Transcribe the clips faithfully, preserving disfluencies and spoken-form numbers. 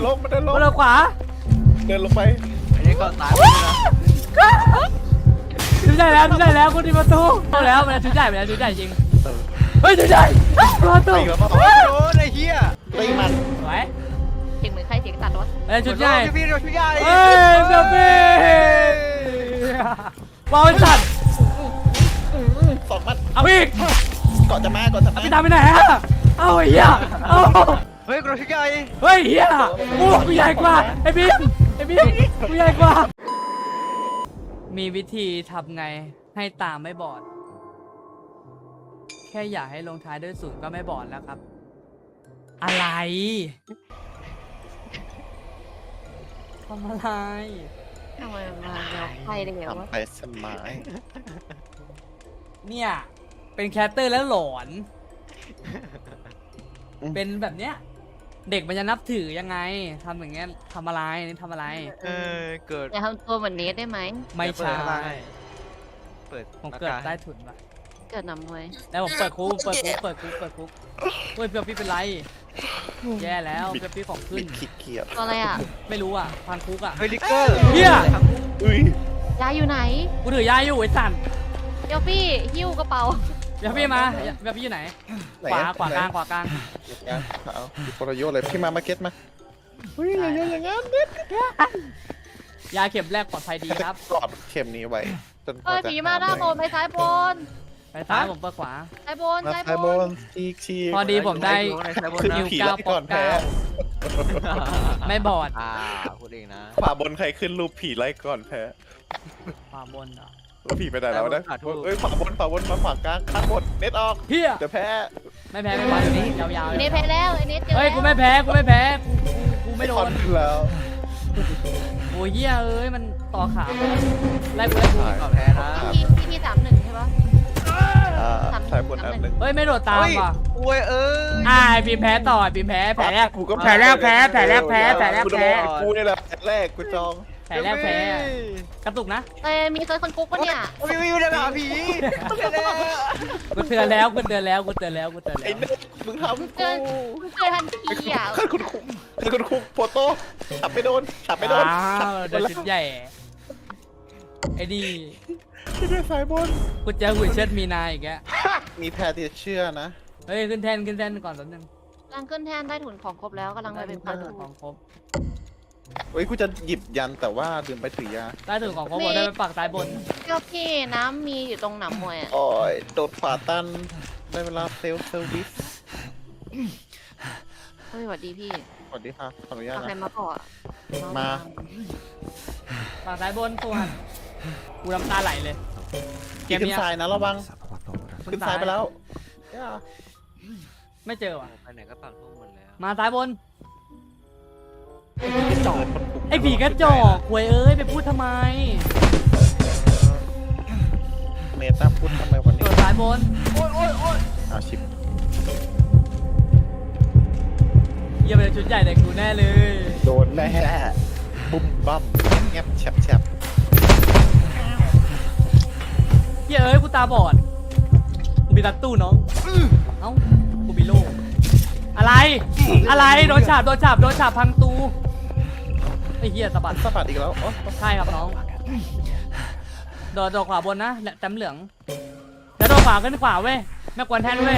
ลงมันเดินลงมาเลยขวาเดินลงไปอันนี้ก็ตายไปนะชุดใหญ่แล้วชุดใหญ่แล้วคุณที่ประตูเอาแล้วมันชุดใหญ่ไปแล้วชุดใหญ่จริงเฮ้ยชุดใหญ่ประตูตีแล้วมั้งโอ้ยโดนไอ้เหี้ยตีมันสวยเสียงเหมือนใครเสียงตัดรถเอ้ยชุดใหญ่พี่ชุดใหญ่เฮ้ยเบบี้วาวสัตว์สองมัดเอาอีกเกาะจะมาเกาะจะมาพี่ตามไปไหนฮะเอาไอ้เหี้ยเอาเฮ้ยกระชุดใหญ่เฮ้ยเหี้ยโอ้กูใหญ่กว่าไอ้บีมไอ้บีมกูใหญ่กว่ามีวิธีทำไงให้ตาไม่บอดแค่อยากให้ลงท้ายด้วยศูนย์ก็ไม่บอดแล้วครับอะไรทำอะไรทำไมมาเงาใครได้ไงวะทำไปสมายเนี่ยเป็นแคสเตอร์แล้วหลอนเป็นแบบเนี้ยเด็กมันจะนับถือยังไงทำอย่างเงี้ยทำอะไรนี่ทำอะไรเออเกิดอย่าทำตัวเหมือนเนสได้ไหมไม่ใช่เปิดผมเกิดใต้ถุนว่ะเกิดหนำมวยแล้วผมเปิดคุกเปิดคุกเปิดคุกเปิดคุกเฮ้ยเปียวพี่เป็นไรแย่แล้วเปียวพี่ของขึ้บินดขี้เกียจตัวอะไรอ่ะไม่รู้อ่ะพันคุกอ่ะเฮ้ยลิกเกอร์เฮียอุ้ยยายอยู่ไหนกูถือยาอยู่ไอ้สันเดี๋ยวพี่หิ้วกระเป๋าเปียวพี่มาเปียวพี่อยู่ไหนขวาขวากลางขวากลางเอาปรโยชน์เลยพี่มามาเก็ตมาเฮ้ยอย่างงั้นอย่างงั้นเด็ดยาเข็มแรกปลอดภัยดีครับกอดเข็มนี้ไว้จนเอ้ยผีมาหน้าโบนไปซ้ายบนไปซ้ายผมเปิดขวาซ้ายบนมาซ้ายไซบบ นนชีกชีกพอดีผมได้คือผีไล่ก่อนแพ้ไม่บอดอ่าพูดเองนะขวาบนใครขึ้นรูปผีไล่ก่อนแพ้ขวาบนเหรอผีไปไหนแล้วนะเอ้ยขวาบนขวาบนมาขวากลางข้างบนเน็ตออกเฮียเดี๋ยวแพ้ไม่แพ้ไม่แพ้อยู่นี่ยาวๆเนสแพ้แล้วไอ้เนสเจอเฮ้ยแล้วกูไม่แพ้กูไม่แพ้กูกูไม่โดคอน นแล้วโอ้ยเหี้ยเอ้ยมันต่อขาไล่กูไล่กูก็แพ้นะพี่พี่พี่สามหนึ่งใช่ปะอ่าสายบนอันหนึ่งเฮ้ยไม่โดดตามว่ะโอ้ยเอ้ยอ่าไอ้บีมแพ้ต่อไอ้บีมแพ้แผลแรกกูก็แผลแรกแพ้แผลแรกแพ้แผลแรกแพ้กูนี่แหละแผลแรกกูจองแผลแรกแพ้กระตุกนะเอ้ยมีเซิร์ชคนกุ๊กปะเนี่ยวิววิวจะหาผีเดี๋ยวกูเตือนแล้วกูเตือนแล้วกูเตือนแล้วกูเตือนแล้ไอ้วเน็ตมึงทำเกินกูเกินทันทีอ่ะขึ้นคุณคุกขึ้นคุณคุกโฟโต้ฉับไม่โดนฉับไม่โดนอ้าวเดี๋ยวชุดใหญ่ไอ้นี่ที่ด้วยสายบนกูเจอหุ่ยเชิดมีนาอีกแกมีแพรที่เชื่อนะเฮ้ยขึ้นแท่นขึ้นแท่นก่อนแป๊บนึงกำลังขึ้นแท่นได้ถุนของครบแล้วกำลังไปเป็นใต้ปลาถุถูนของครบเฮ้ยกูจะหยิบยันแต่ว่าลืมไปถือยาใต้ถุนของครบหมดได้ไปปักใต้บนเจ้าพี่น้ำมีอยู่ตรงหนำมวยอ่ะโอ้ยโดดขวาตันได้เวลาเซลฟ์เซอร์วิสเฮ้ยสวัสดีพี่สวัสดีค่ะขออนุญาตเอาใครนะมาก่อนมาปักใต้บนตัวหันกูน้ำตาไหลเลยเกขี่มขึ้นเนี้ยทรายนะระวังขึ้นทรายไปแล้วไม่เจอว่ะไปไหนก็ปากทุ่งหมดแล้วมาซ้ายบนจอดไอ้ผีกระจอกหวยเอ้ยไปพูดทำไมเมตาพูดทำไมวันตันี้วซ้ายบนโอ้ยโอ้ยโอ้ยอาชิปเยี่ยมเลยชุดใหญ่แต่กูแน่เลยโดนแน่บุ้มบั้มแงบแฉบแฉบเยี่ยเอ้ยกูตาบอดกูมีตัดตู้น้องเอ้ากูมีโล่อะไรอะไรโดนฉาบโดนฉาบโดนฉาบพังตูไอ้เหี้ยสะบัดสะบัดอีกแล้วอ๋อใช่ครับน้องโดดโดดขวาบนนะแต้มเหลืองแล้วโดดขวาขึ้นขวาเว้ยแม่กวนแท่นเว้ย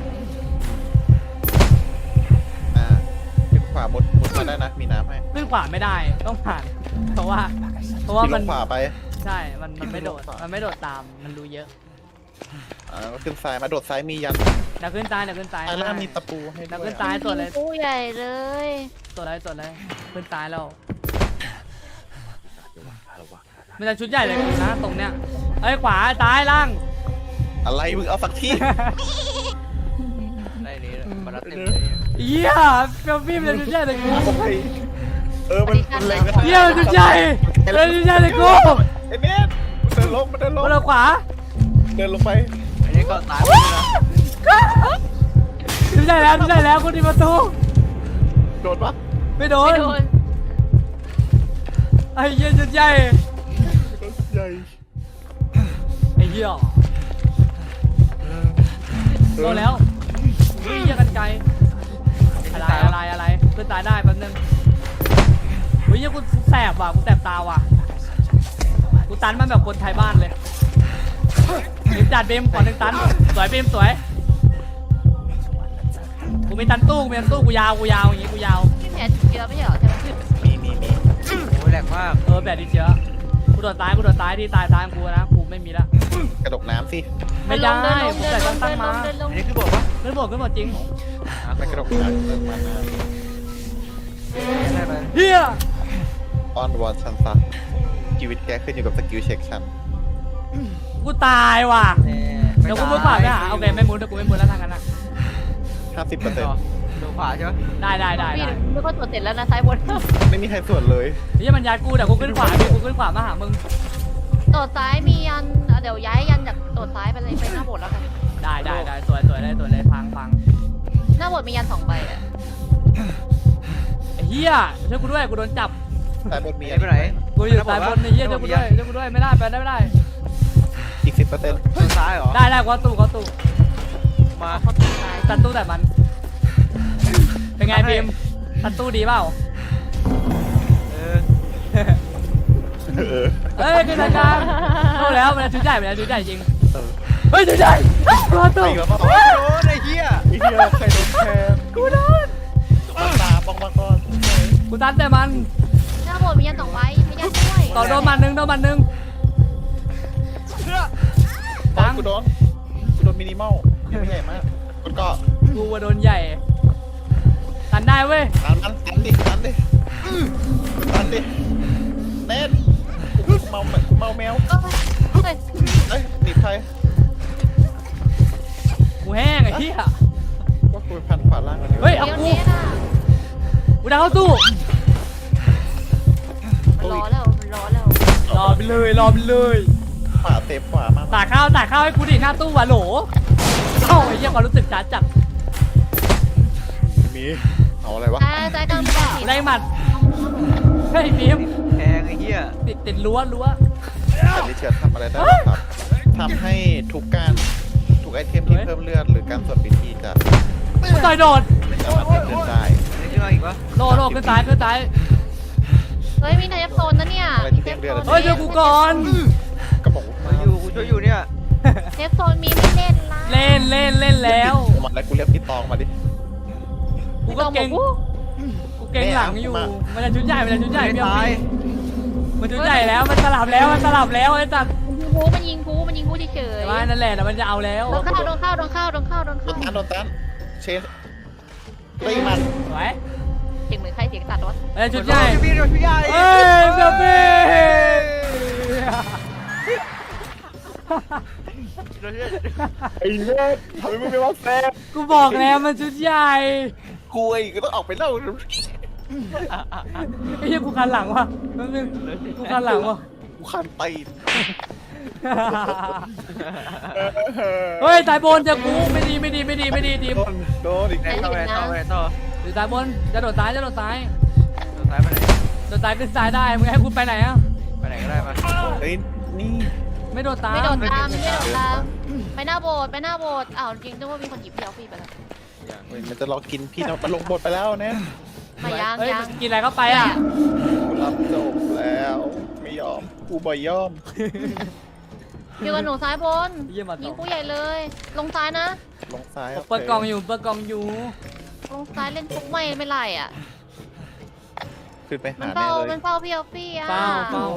อ่าขึ้นขวาบดบดมาได้นะมีน้ำให้ขึ้นขวาไม่ได้ต้องผ่านเพราะว่าเพราะว่าที่ลมันงขวาไปใช่มันมันไม่โดดที่ลงขวามัมันไม่โดดตามมันรู้เยอะอ่าขึ้นซ้ายมาโดดซ้ายมียันเดี๋ยวขึ้นซ้ายเดี๋ยวขึ้นซ้ายซ้ายล่างมีตะปูให้เดี๋ยวด้วขึ้ยนซ้ายตัวเลยผู้ใหญ่เลยตัวเลยตัวเลยขึ้นซ้ายแล้วมันจะชุดใหญ่เลยนะตรงเนี้ยเอ้ยขวาซ้ายล่างอะไรมึงเอาสักที่ได้นี้มารับเต็มเลยเยี่ยเฟี้ยวพี่มันจะชุดใหญ่เลยกูเออมันมันเล็งเยี่ยมันชุดใหญ่เลยชุดใหญ่เลยกูไอ้เน็ตมันเดินลงมันเดินลงมาเลยขวาเดินลงไปอันนี้ก็ตายไปนะชุดใหญ่แล้วชุดใหญ่แล้วคุณที่ประตูโดนปะไม่โดนไม่โดนไอ้เยี่ยชุดใหญ่ใหญ่ไอ้เหี้ยโดนแล้ววิ่งกันไกลอะไรอะไรอะไรขึ้นตายได้แป๊บนึงหี้ยกูแสบว่ะกูแสบตาว่ะกูตันมันแบบคนไทยบ้านเลยหนึ่งจัดเบมขอหนึ่งตันสวยเบมสวยกูมีตันตู้กูมีตันตู้กูยาวกูยาวอย่างงี้กูยาวพี่แผลติดเชื้อไม่ใช่เหรอใช่ไหมมีมีมีโอ้ยแหลกมากเออแบบดีเชื้อกูโดนตายกูโดนตายที่ตายทางกูนะกูไม่มีละกระดกน้ำสิไม่ได้เดินลงกูเดิแต่นลตั้งงตั้งเดินลมางเดินลงอันนี้คือบอกว่าขึ้นบทขึ้นบทจริงไม่กระดกน้ำเติมมานาได้ไหมเฮียออนวอนชันซะชีวิตแกขึ้นอยู่กับสกิลเช็คชันกูตายว่ะแน่เดี๋ยวกูมุดขวาไปหาโอเคไม่มุดเดี๋ยวกูไม่มุดแล้วทางนั้นอ่ะห้าสิบเปอร์เซ็นต์ดูขวาใช่ไหมได้ได้ได้พี่ได้ไม่ก็ตรวจเสร็จแล้วนะซ้ายบนไม่มีใครส่วนเลยเฮียมันยัดกูเดี๋ยวกูขึ้นขวาพี่กูขึ้นขวามาหามึงตรวจซ้ายมียันอ่ะเดี๋ยวย้ายยันจากตรวจซ้ายไปเลยไปหน้าโบสถ์แล้วกันได้ได้ได้สวยสวยได้สวยเลยพังพังหน้าโบสถ์มียันสองใบอ่ะไอ้เฮียช่วยกูด้วยกูโดนจับสายบนมีไหนไปไหนกูอยู่สายบนไอ้เฮียช่วยกูด้วยช่วยกูด้วยไม่ได้ไปได้ไม่ได้อีกสิบเปอร์เซ็นต์ทางซ้ายเหรอได้ได้กูเอาตู้กูเอาตู้มาเขาตรวจซ้ายตัดตู้แต่มันเป็นไงบีมตัดตู้ดีเปล่าเออเออเฮ้ยขึ้นทางกลางเข้าแล้วมันชุดใหญ่มันชุดใหญ่จริงเออเฮ้ยชุดใหญ่รอตู้ไอ้แบบว่าโอ้ยโดนไอ้เหี้ยไอ้เหี้ยใครโดนแทงกูโดนมาตาบ้องมาก่อนกูตันแต่มันหน้าโบสถ์มียันสองใบมียันด้วยต่อโดนมันหนึ่งโดนมันหนึ่งตอนกูโดนกูโดนมินิมอลยังไม่ใหญ่มากมันก็กูว่าโดนใหญ่ตันได้เว้ยตันมันตันดิตันดิตันดิเน็ตเมาเมาแมวเอ้ยเอ้ยหนีบใครกูแห้งไอ้เหี้ยก็คุยพันขวาล่างกันเฮ้ยเดี๋ยวนี้น่ะกูดังเข้าตู้มันรอแล้วมันรอแล้วรอไปเลยรอไปเลยขวาเซฟขวามากตากข้าวตากข้าวให้กูดิหน้าตู้วะโหลเอ้าไอ้เหี้ยความรู้สึกช้าจัดมีเอาอะไรวะซ้ายซ้ายกลางไม่ได้กูได้หมัดเฮ้ยบีมแทงไอ้เหี้ยติดติดรั้วรั้วแต่ลิเชียร์ทำอะไรได้บ้างครับทำให้ทุกการทุกไอเทมที่เพิ่มเลือดหรือการสวดพิธีจะกูต่อยโดดไม่สามารถเพิ่มเลือดได้นี่ขึ้นมาอีกวะโดดโดดขึ้นซ้ายขึ้นซ้ายเฮ้ยมีเทปโซนนะเนี่ยมีเทปโซนเฮ้ยเดี๋ยวกูก่อนก็บอกมาอยู่กูช่วยอยู่เนี่ยเทปโซนมีไม่เล่นละเล่นเล่นเล่นแล้วมาแล้วกูเรียกพี่ตองมาดิกูก็เก่งกูเก่งหลังอยู่ มันจะชุดใหญ่มันจะชุดใหญ่ไม่พี่เอาตายมันชุดใหญ่แล้วมันสลับแล้วมันสลับแล้วไอ้สัตว์มันยิงกูมันยิงกูมันยิงกูเฉยแต่ว่านั่นแหละแต่มันจะเอาแล้วโดนเข้าโดนเข้าโดนเข้าโดนเข้าโดนโดเข้านตันโดนตันเชสตีมันสวยเสียงเหมือนใครเสียงตัดรถมันจะชุดใหญ่พี่โดนพี่ใหญ่เอ้ยเบบี้โดนพี่ไอ้เน็ตทำไมมึงไม่ว่าแซ่บกูบอกแล้วมันชุดใหญ่กูไอ้ก็ต้องออกไปเล่าไอ้เหี้ยกูคันหลังว่ะแป๊บนึงกูคันหลังว่ะกูคันตีนเฮ้ยสายบนจะกูไม่ดีไม่ดีไม่ดีไม่ดีทีมโดนโดนอีกไหนแล้วต่อไหนต่อไหนต่อหรือสายบนจะโดดซ้ายจะโดดซ้ายโดนซ้ายไปไหนโดดซ้ายขึ้นซ้ายได้มึงให้กูไปไหนอ่ะไปไหนก็ได้มาเฮ้ยนี่ไม่โดดตามไม่โดนตามไม่โดนตามไปหน้าโบสถ์ไปหน้าโบสถ์อ้าวจริงนึกว่ามีคนหยิบพี่เอาพี่ไปแล้วเฮ้ยมันจะรอกินพี่นะมันลงบทไปแล้วเนี่ยมายังเฮ้ยยังกินอะไรเข้าไปอ่ะกูรับจบแล้วไม่ยอมกูบ่ยอมอยู่กับหนูซ้ายบนเยี่ยมมายิต่งอกูใหญ่เลย ลงซ้ายนะลงซ้ายเปิดกล่องอยู่เปิดกล่องอยู่ลงซ้ายเล่นปุ๊บไม่ไม่ไล่อ่ะขึ้นไปมันหาแน่เฝ้าเลมัยนเฝ้าพี่เอาพี่อ่ะเฝ้าเฝ้า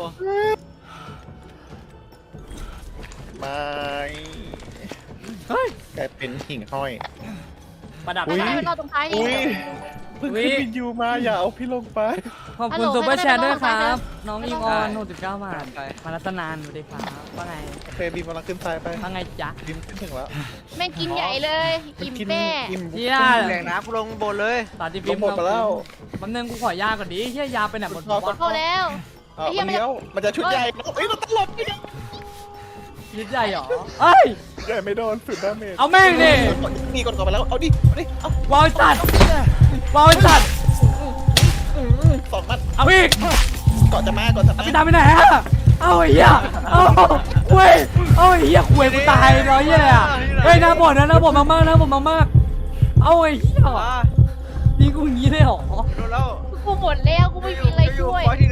ไม่เฮ้ยกลายเป็นหิ่งห้อยประดับไม่ใช่ไม่รอตรงท้ายดิอุ้ยเพิ่งขึ้นวินยูมาอย่าเอาพี่ลงไปขอบคุณฮัลโหลซูเปอร์แชร์ด้วยคไม่รัได้บ น้องไม่อิต้องงออนไม่ต้องหกสิบเก้าบาทมารัตนานสวัสดีครับว่าไงโอเคบีมกำลังขึ้นซ้ายไปว่าไงจ๊ะบีมขึ้นถึงแล้วแม่งกินใหญ่เลยอิ่มกินแป้อิ่มเฮียแหล่งน้ำกูลงบนเลยตอนที่ลพิงมพ์หมดไปแล้วแป๊บนึงกูขอยาก่อนดิเฮียยาไปไหนหมดขอวะเข้าแล้วเอาอันเดียวมันจะชุดใหญ่เอ้ยมันตลบไปยังยืดใหญ่หรอเอ้ยใหญ่ไม่โดนสุดดาเมจเอาแม่งดินี่กดก่อนไปแล้วเอาดิเอาดิเอาวาวจัดวาวจัดสองมัดเอาอีกก่อนจะมาก่อนจะมาพี่ตามไปไหนฮะเอาไอ้เหี้ยเอาเว้ยเอาไอ้เหี้ยคุยกูตายร้อยเหี้ยเลยอ่ะเฮ้ยหน้าบ่นนะหน้าบ่นมากๆหน้าบ่นมากๆเอาไอ้เหี้ยมานี่กูอย่างนี้เลยเหรอโดนแล้วกูหมดแล้วกูไม่มีอะไรช่วยปล่อยที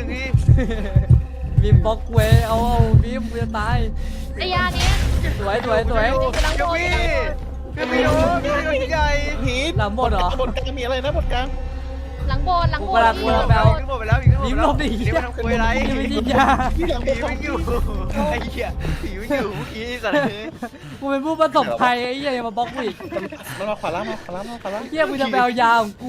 บีมบล็อกเวยเอาเอาบีมกูจะตายไอ้ยาเนี้ยสวยสวยสวยกำลังเดี๋โดยวนพี่เดี๋ยวพี่โดนพี่โดนใหญ่พีทหลังบนเหรอบนกลางมีอะไรนะบนกลางหลังโบสถ์หลังโบสถ์กูกำลังกูกำลังไปเอายิงหมดไปแล้วยิงหมดบีมไปลแล้วบดิเดี๋ยวมันทำคุยอะไรบีมไม่ยิงยาที่หลังบผีนไม่อยู่ไอ้เหี้ยผีไม่อยู่เมื่อกี้สัตว์เลยกูเป็นผู้ประสบภัยไอ้เหี้ยอย่ามาบล็อกกูอีกมันมาขวาล่างมาขวาล่างมาขวาล่างเหี้ยกูจะไปเอายาของกู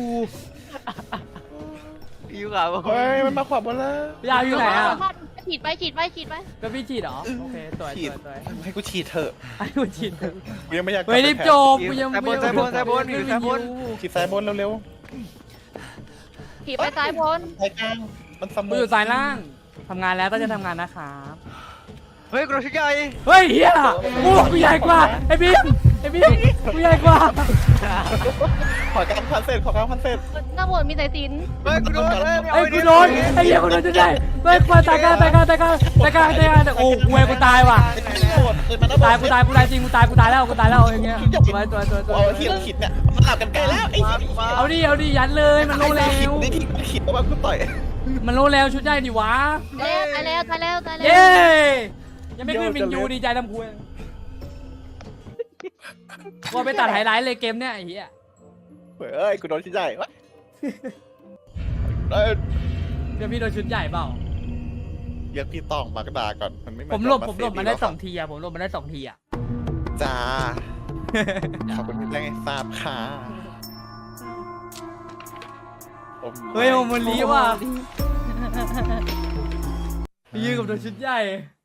ผีอยู่ขาวเฮ้ยมันมาขวาบนแล้วยาอยู่ไหนอ่ะฉีดไปฉีดไปฉีดไปก็พี่ฉีดเหรอโอเคสวยฉีสดวยสวยให้กูฉีดเถอะไอ้กูฉีดกูยังไม่อยากกลัเฮ้ยรีบไปโจแพ้กกูยังแต่บนแต่บนแต่บนผีแต่บนฉีดซ้ายบนเร็วฉีดไปซ้ายบนๆซ้ายกลางมันสมกูอยู่สายล่างทำงานแล้วก็จะทำงานนะครับเฮ้ยกระชุใหญ่เฮ้ยเฮียกูกูใหญ่กว่าไอ้บีมไอ้บีมกูใหญ่กว่าขอกลางพันเสร็จขอกลางพันเสร็จหน้าโบสถ์มีสายสิญจนเฮ้ยกูโดนเฮ้ยไอ้กูโดนไอ้เหี้ยกูโดนจะได้เฮ้ยมาตายกันตายกันตายกันตายกันตายกันโอ้กูเองกูตายว่ะไอ้ที่โหดเลยมันตายกูตายกูตายจริงกูตายกูตายแล้วกูตายแล้วอย่างเงี้ยตัวตัวตัวตัวเอาที่เราขิดเนี่ยมันหลับกันไกลแล้วไอ้มามาเอาดิเอาดิยัดเลยมันโลเร็ขิดวนี่ที่ขิดแล้วมันกูต่อยมันโลเร็วชุดใหญ่ดิวะตายแล้วตายแล้วตายแล้วตายแล้วเย้ยังไม่ขึ้นมินยูดีใจทำคุยว่าไปตัดไฮไลท์เลยเกมเนี้ยไอ้เหี้ยเฮ้ยกูโดนชิ้นใหญ่วะเอ้ยเดี๋ยวพี่โดนชุดใหญ่เปล่าเรียกพี่ตองมากระดาก่อนมันไม่าผมหลบจะผมหลบเฟมันได้รสองทีอะผมหลบมันได้สองทีอะจ้าขอบคุณที่แจ้งให้ทราบค่ะเฮ้ยโอมลีว่ะยืนกับโดนชุดใหญ่